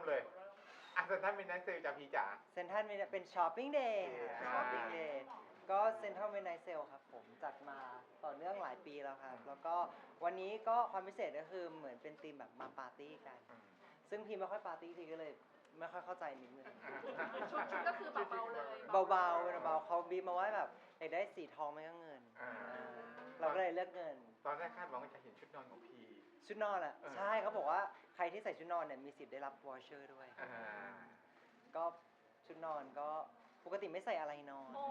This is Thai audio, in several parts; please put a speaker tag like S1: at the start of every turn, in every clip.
S1: เลยเซนทรัลมิดไนท์เซลจากพี่จ๋า
S2: เซ็นทรัลเป็นช้อปปิ้งเดย์ช้อปปิ้งเดย์ก็เซ็นทรัลมิดไนท์เซลครับผมจัดมาต่อเนื่องหลายปีแล้วครับแล้วก็วันนี้ก็ความพิเศษก็คือเหมือนเป็นธีมแบบมาปาร์ตี้กันซึ่งพี่ไม่ค่อยปาร์ตี้ทีก็เลยไม่ค่อยเข้าใจนิดนึง
S3: ชุดก็คือเบาๆเลย
S2: เบาๆเป็นเบาเขาบีบมาว่าแบบอยากได้สีทองไม่ก็เงินเราก็เลยเลือกเงิน
S1: ตอนแรกคาดหวังว่าจะเห็นชุดนอนของพี
S2: ชุดนอนอ่ะใช่เขาบอกว่าใครที่ใส่ชุดนอนเนี่ยมีสิทธิ์ได้รับวอเชอร์ด้วยก็ชุดนอนก็ปกติไม่ใส่อะไรนอน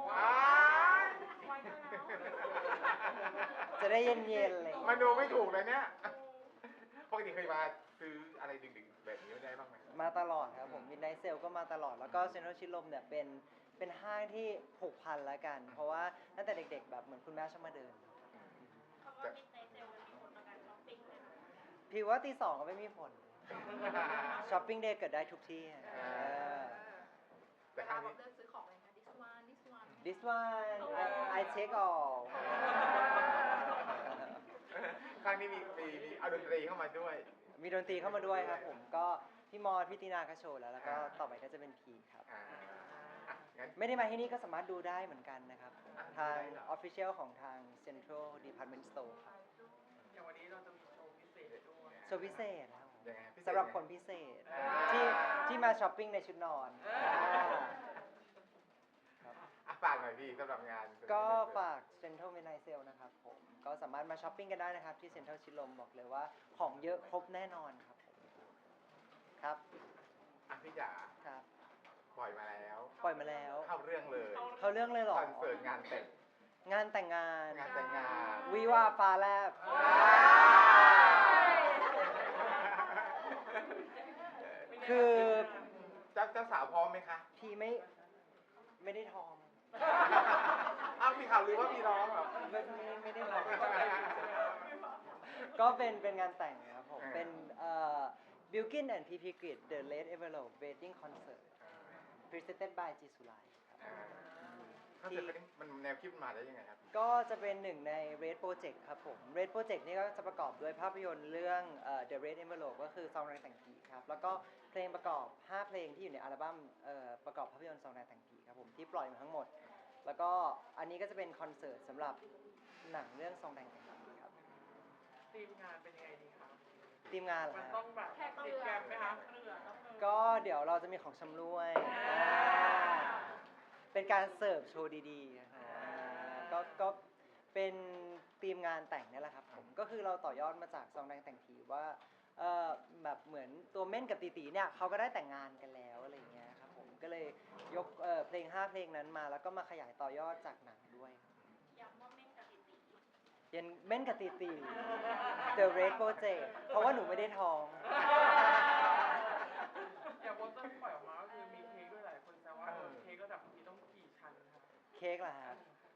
S2: จะได้เย็นๆเลย
S1: มันดูไม่ถูกเลยเนี่ยปกติเคยมาซื้ออะไรดึกๆแบบนี้ไม่ได้บ้างไหม
S2: มาตลอดครับผมมิดไนท์เซลก็มาตลอดแล้วก็เซ็นทรัลชิดลมเนี่ยเป็นห้างที่ผูกพันแล้วกันเพราะว่าตั้งแต่เด็กๆแบบเหมือนคุณแม่ชอบมาเดิน
S3: คำว่ามิดไนท์เซลมันมีผลต่อการช้อปปิ้งไหมคะ
S2: พี่ว่าตี 2ก็ไม่มีผลช้อปปิ้งเดย์เกิดได้ทุกที่
S3: แต่ครั้งนี้เลือกซื้อของอะไรคะ
S2: this one I take all
S1: ครั้งนี้มีเอาดนตรีเข้ามาด้วย
S2: มีดนตรีเข้ามาด้วยครับผมก็พี่มอสพี่ตีนาก็โชว์แล้วก็ต่อไปก็จะเป็นพีครับไม่ได้มาที่นี่ก็สามารถดูได้เหมือนกันนะครับทาง Official ของทาง Central Department Store ครับ
S4: อย่างวันนี้เราจะมีโชว์พิเศษด้วย
S2: โชว์พิเศษครับสำหรับคนพิเศษที่มาช้อปปิ้งในชุดนอน
S1: ฝากหน่อยพี่สำหรับงาน
S2: ก็ฝาก Central Midnight Sale นะครับผมก็สามารถมาช้อปปิ้งกันได้นะครับที่ Central ชิดลมบอกเลยว่าของเยอะครบแน่นอนครับครับ
S1: พี่จ๋า
S2: ครับ
S1: ปล่อยมาแล้วเข้าเรื่องเลย
S2: หรอ
S1: คอนเสิร์ตงานแต่ง
S2: งาน
S1: วิ
S2: วาฟ้าแลบคือ
S1: เจ้าสาวพร้อมไหมคะ
S2: พี่ไม่ได้ท้อง
S1: มีข่าวลือว่ามีน้องเหรอ
S2: ไม่ได้ท้องก็เป็นงานแต่งครับผมเป็นBilkin and PP Grid The Late Envelope Wedding Concert Presented by G Sulai
S1: คอนเสิร์ตนี้มันแนวคิดมาได้ยังไงครับ
S2: ก็จะเป็นหนึ่งใน Red Project ครับผม Red Project นี่ก็จะประกอบด้วยภาพยนตร์เรื่องThe Red Envelope ก็คือซองแรงแต่งผีครับแล้วก็เพลงประกอบ5เพลงที่อยู่ในอัลบั้มประกอบภาพยนตร์ซองแรงแต่งผีครับผมที่ปล่อยมาทั้งหมดแล้วก็อันนี้ก็จะเป็นคอนเสิร์ตสำหรับหนังเรื่องซองแรงแต่งผีครับ
S4: ทีมงานเป็นยังไงดีครับ
S2: ทีมงานเหรอ
S4: มันต้องแบบติดแกรมไหมคะ
S2: ก็เดี๋ยวเราจะมีของชำร่วยเป็นการเสิร์ฟโชว์ดีๆก็เป็นทีมงานแต่งนี่แหละครับผมก็คือเราต่อยอดมาจากซองแดงแต่งผีว่าแบบเหมือนตัวเม่นกับตีตีเนี่ยเขาก็ได้แต่งงานกันแล้วอะไรอย่างเงี้ยครับผมก็เลยยกเพลง5เพลงนั้นมาแล้วก็มาขยายต่อยอดจากหนังด้วย
S3: ย้ำว่าเม่นกับตีตี
S2: ยันเม่นกับตีตี The Red Project เพราะว่าหนูไม่ได้ท้อง
S4: อย่างโปสเตอร์ปล่อยออกมาก็คือมีเค้กด้วยหลายคนแซวว่าเค้กระดับนี้ต้องกี่ชั้นครับ
S2: เค้กเหรอครับ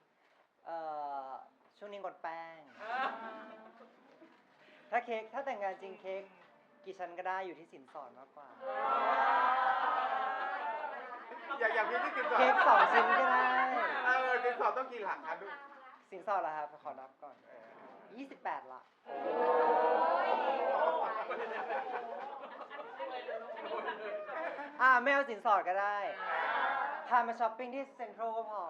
S2: ช่วงนี้งดแป้งถ้าแต่งงานจริงเค้กกี่ชั้นก็ได้อยู่ที่สินสอดมากกว่า
S1: อย่างพี่ที่สินสอด
S2: เค้ก2ชิ้นก็ได้
S1: สินสอดต้องกี่หลักครับ
S2: สินสอดเหรอครับขอนับก่อน28หลักไม่เอาสินสอดก็ได้พามาช้อปปิ้งที่เซ็นทรัลก็พอ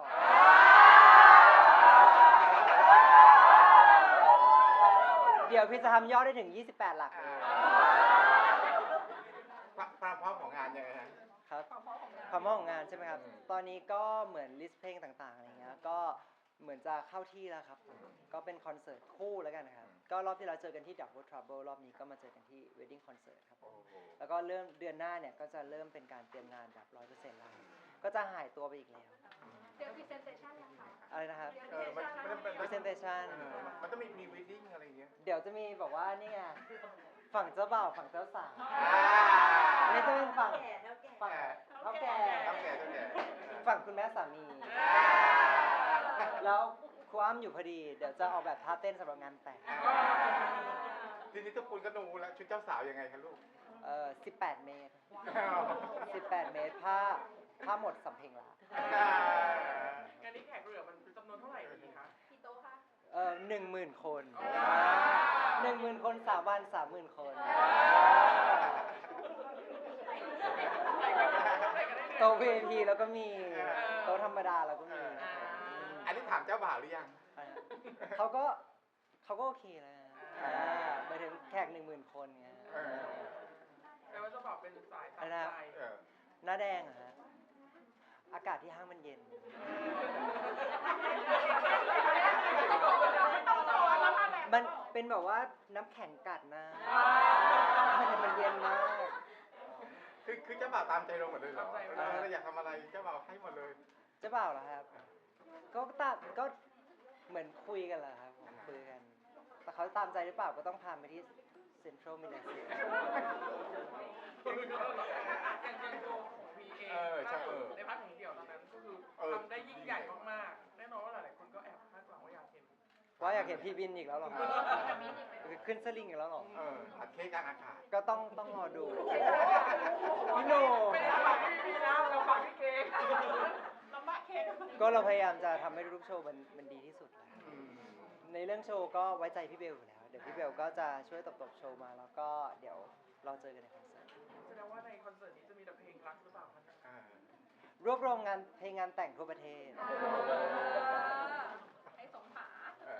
S2: เดี๋ยวพี่จะทำยอดได้ถึง28หลัก
S1: ความพร้อมของงานยังไง
S2: ครับความพร้อมของงานใช่ไหมครับตอนนี้ก็เหมือนลิสต์เพลงต่างๆอะไรเงี้ยก็เหมือนจะเข้าที่แล้วครับก็เป็นคอนเสิร์ตคู่แล้วกันครับก็รอบที่เราเจอกันที่ Double Trouble รอบนี้ก็มาเจอกันที่ Wedding Concert ครับแล้วก็เริ่มเดือนหน้าเนี่ยก็จะเริ่มเป็นการเตรียมงานแบบ 100% แล้วก็จะหายตัวไปอีกแล้ว
S3: เดี๋ยว presentation ยังค่ะ
S2: อะไรนะครับ
S1: presentation มันต้องมี wedding อะไรอย่างเงี้ย
S2: เดี๋ยวจะมีบอกว่านี่ไงฝั่งเจ้าบ่าวฝั่งเจ้าสาวนี่จะเป็นฝั่งเท่าแก่ฝั่งคุณแม่สามีแล้วครูอ้ำอยู่พอดีเดี๋ยวจะออกแบบท่าเต้นสำหรับงานแต่ง
S1: ทีนี้ทุกคนก็ดูแล้วชุดเจ้าสาวยังไงคะลูก
S2: 18 เมตร18 เมตรผ้าหมดสำเพ็งละ
S4: งานนี้แขกเรือมันจำนวนเท่าไหร่ดีคะ
S3: กี่โต๊ะคะ
S2: 10,000 คน 10,000 คน3 วัน 30,000 คนโต๊ะ VIP แล้วก็มีโต๊ะธรรมดาแล้วก็มี
S1: อันนี้ถามเจ้าบ่าวหรือยัง
S2: เขาก็โอเคแล้วนะหมายถึงแขก10,000 คนไง
S4: แต่ว่าเจะบอกเป็นสายตามใจ
S2: หน้าแดงอะฮะอากาศที่ห้างมันเย็น มันเป็นแบบว่าน้ำแข็งกัดหน้ามันเย็นมาก
S1: คือเจ้าบ่าวตามใจเราหมดเลยเหรอเราอยากทำอะไรเจ้าบ่าวให้หมดเลย
S2: เจะเปล่าเหรอครับ ก็เหมือนคุยกันแหละครับผมคุยกัน แต่เขาตามใจหรือเปล่าก็ต้องพาไปที่เซ็นทรัลมิลเลเซีย
S4: อย่างโชว์ของพีเองล่าสุดในพาร์ทของเดี่ยวตอนนั้นก็คือทำได้ยิ่งใหญ่มากๆแน่นอนว่าหลายๆคนก็แอบคาดหวังว่าอยากเห็น
S2: ว่าอยากเห็นพี่บินอีกแล้วเหรอครับขึ้นสลิงอีกแล้วเหรอ
S1: อัดเค้กกลางอากาศ
S2: ก็ต้องรอดูพี่โน่
S4: ไม่ได้ฝากพี่พีนะเราฝากพี่เค้ก
S3: ลำบากเค้ก
S2: ก็เราพยายามจะทำให้ทุกโชว์มันดีที่สุดแหละในเรื่องโชว์ก็ไว้ใจพี่เบลอยู่แล้ว เดี๋ยวพี่เบลก็จะช่วยตบโชว์มาแล้วก็เดี๋ยวเราเจอกันในคอนเสิร์ต
S4: แสดงว่าในคอนเสิร์ตนี้จะมีแต่เพลงรักหรือเปล่าคะ
S2: รวบรวมเพลงงานแต่งทั่วประเทศ
S3: ให้สมผา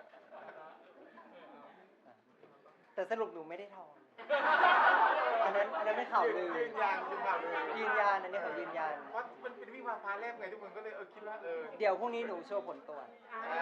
S2: แต่สรุปหนูไม่ได้ทอง อันนั้นไม่ข่าวลือ
S1: ยืนยันเป็นข่าวลือ
S2: ยืนยันอันนี้ขอยืนยัน
S1: เพราะมันเป็นวิวาฟ้าแลบไงทุกคนก็เลยคิดว่า
S2: เดี๋ยวพรุ่งนี้หนูโชว์ผลตรวจ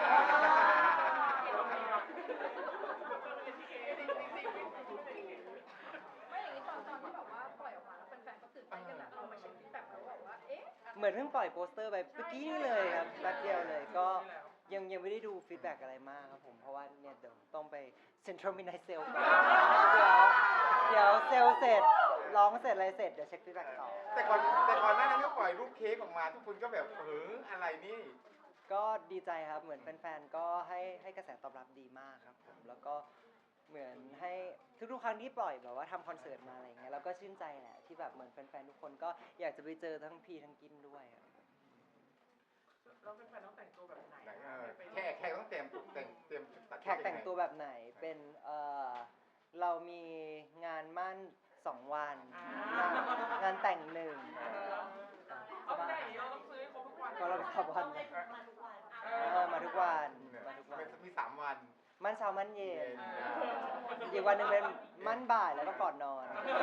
S3: ไม่อย่างนี้ตอนที่แบบว่าปล่อยออกมาแล้วแฟนๆก็ตื่นเต้นกันแบบเรามาเช็คฟีดแบ็กแล้วแบบว่าเอ๊ะ
S2: เหมือนเพิ่งปล่อยโปสเตอร์ไปเมื่อกี้นี่เลยครับแป๊บเดียวเลยก็ยังไม่ได้ดูฟีดแบ็กอะไรมากครับผมเพราะว่าเนี่ยเดี๋ยวต้องไปเซ็นทรัลมิดไนท์เซลก่อนเดี๋ยวเซลเสร็จร้องเสร็จอะไรเสร็จเดี๋ยวเช็คฟีดแบ็กต่อ
S1: แต่ก่อนหน้านั้นก็ปล่อยรูปเค้กออกมาทุกคนก็แบบอะไรนี่
S2: ก็ดีใจครับเหมือนแฟนๆก็ให้กระแสตอบรับดีมากครับผมแล้วก็เหมือนให้ทุกๆครั้งที่ปล่อยแบบว่าทำคอนเสิร์ตมาอะไรเงี้ยแล้วก็ชื่นใจแหละที่แบบเหมือนแฟนๆทุกคนก็อยากจะไปเจอทั้งพีทั้งกินด้วยครับ
S4: เราเป็นแฟนต้องแต่งตัวแบบไหน
S1: แขกต้องเตรียมตัด
S2: แขกแต่งตัวแบบไหนเป็นเรามีงานมั่น2 วันงานแต่ง1
S4: เอาแต่งเราต้องซื้อให้ครบทุกวัน
S2: ก็เราไปขับวันมาทุกวัน
S1: มี3 วัน
S2: มั่นเช้ามั่นเย็นอีกวันหนึ่งเป็นมั่นบ่ายแล้วก็ก่อนนอน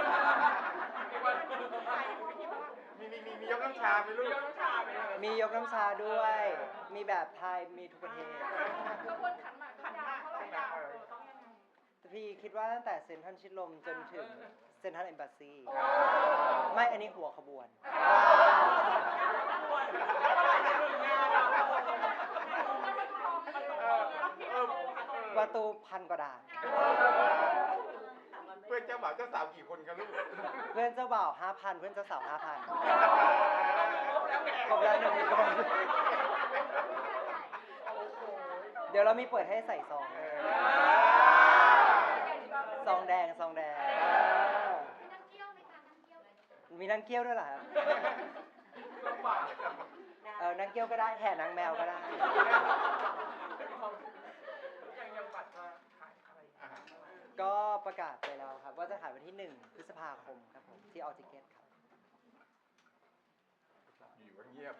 S1: มียกน้ำชาไหมลูก
S2: มียกน้ำชาด้วย มีแบบไทยมีทุกประเทศ
S3: กระบวนขันหมากขันหมากเท่าไหร่ยาวต้องยังไง
S2: พี่คิดว่าตั้งแต่เซ็นทรัลชิดลมจนถึงเซ็นทรัลเอมบาซี ไม่อันนี้หัวขบวน ประตู1,000 กว่าด่าน
S1: เพื่อนเจ้าบ่าวเจ้าสาวกี่คนกันลูก
S2: เพื่อนเจ้าบ่าว 5,000 เพื่อนเจ้าสาว 5,000 ครบแล้ว1 คน เดี๋ยวเรามีเปิดให้ใส่ซอง ซองแดง มีนางเกี้ยวด้วยเหรอครับ
S4: ลำบาก
S2: นางเกี้ยวก็ได้แห่นางแมวก็ได้
S4: ยังบัตรจะขายอะไร
S2: ก็ประกาศไปแล้วครับว่าจะขายวันที่1 พฤษภาคมครับผมที่ออทิเกตครับ
S1: อยู่เงียบ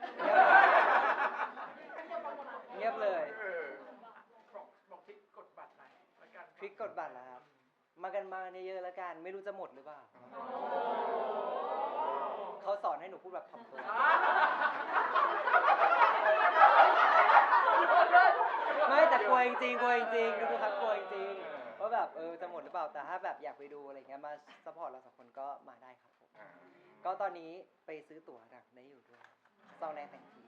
S2: เงียบเลย
S4: บอกทิกกดบัตรหน่อยแล้วกัน
S2: ทริคกดบัตรแล้วครับ มากันเยอะๆแล้วกัน ไม่รู้จะหมดหรือเปล่า เขาสอนให้หนูพูดแบบถ่อมตัวไม่แต่กลัวจริงๆทุกครั้งกลัวจริงๆว่าแบบจะหมดหรือเปล่า แต่ถ้าแบบอยากไปดูอะไรเงี้ยมาซัพพอร์ตเรา2 คนก็มาได้ครับผม ก็ตอนนี้ไปซื้อตั๋วหนังได้อยู่ด้วยซองแดงแต่งผี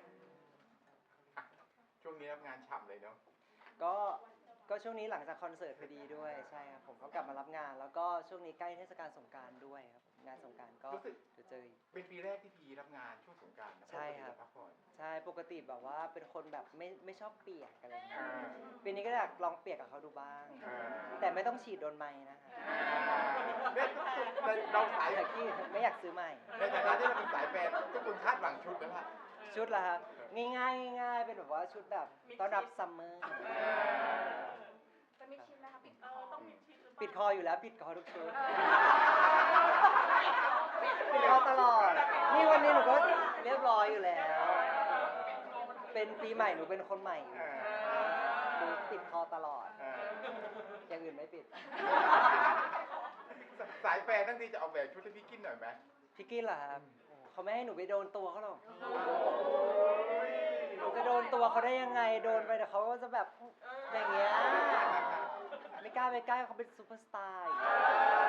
S1: ช่วงนี้รับงานฉ่ำเลยเนาะ
S2: ก็ช่วงนี้หลังจากคอนเสิร์ตพอดีด้วยใช่ครับผมก็กลับมารับงาน แล้วก็ช่วงนี้ใกล้เทศกาลสงกรานต์ด้วยครับงานสงกรานต์ก็เดี๋ยวเจออีก
S1: เป็นปีแรกที่พีรับงานช่วงสงกรานต์
S2: ใช่ครับ
S1: พักผ่อน
S2: ใช่ปกติแบบว่าเป็นคนแบบไม่ชอบเปียกอะไรอย่างเงี้ยปีนี้ก็อยากลองเปียกกับเขาดูบ้าง แต่ไม่ต้องฉีดโดนไม้นะคะ
S1: เนี่ยเราสาย
S2: แต่ที่ไม่อยากซื้อใหม่
S1: ในฐานะที่เราเป็นสายแฟนทุกคนคาดหวังชุดแล้วล่ะ
S2: ชุดละครับง่ายๆเป็นแบบว่าชุดแบบต้อนรับซัมเมอร์
S3: จะมีชิมนะคะต้องมีชิมหรือเปล่า
S2: ปิดคออยู่แล้วปิดคอทุกชุด
S1: ปิดคอ
S2: ตลอด นี่วันนี้หนูก็เรียบร้อยอยู่แล้ว เป็นปีใหม่หนูเป็นคนใหม่อยู่หนูปิดคอตลอด อย่างอื่นไม่ปิด
S1: สายแฟนทั้งทีจะเอาแบบชุดให้พี่กินหน่อยไหม
S2: พี่กินเหรอครับโอ้เขาไม่ให้หนูไปโดนตัวเขาหรอก หนูจะโดนตัวเขาได้ยังไง โดนไปแต่เขาก็จะแบบอย่างเงี้ย ไม่กล้าไปใกล้เขาเป็นซูเปอร์สตาร์อย่างเงี้ย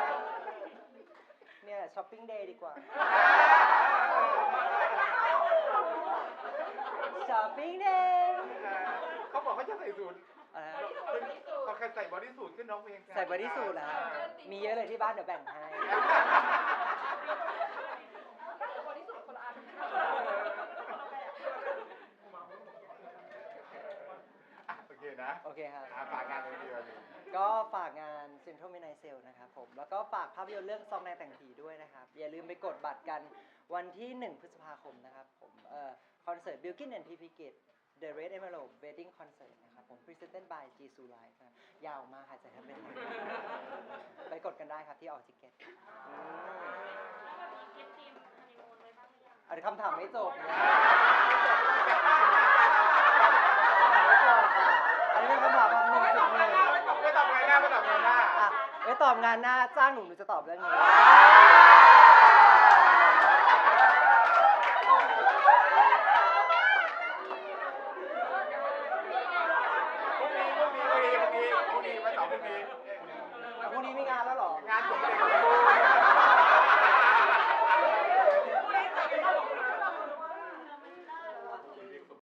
S2: เนี่ยช้อปปิ้งเดย์ดีกว่า ช้อปปิ้งเดย์
S1: เขาบอกเขาจะใส่สูท
S2: อะไรนะ
S1: เขาเคยใส่บอดี้สูทขึ้นร้องเพลง
S2: ใส่บอดี้สูทเหรอครับมีเยอะเลยที่บ้านเดี๋ยวแบ่งให้
S3: บริสุทธิ์คนละอัน
S1: โอเคนะ
S2: โอเคครับ
S1: ฝากงานเลยดีกว่า
S2: ก็ฝากงาน Central Midnight Sale นะครับผม แล้วก็ฝากภาพยนตร์เรื่องซองในแต่งผีด้วยนะครับ อย่าลืมไปกดบัตรกันวันที่ 1 พฤษภาคมนะครับผมคอนเสิร์ต Bilkin and PP Gate The Red Emerald Wedding Concert นะครับผม Presented by Jisoo Live นะยาวมากหายใจแทบไม่ทันไปกดกันได้ครับที่ออกทิเก็ตอันนี้คำถามไม่จบเนี่ยไม่จบค่ะอันนี้เป็นคำถาม1.1
S1: ไม่ตอบงานหน้าไม่ตอบงานหน้า
S2: ไว้ตอบงานหน้าจ้างหนูจะตอบเรื่องนี้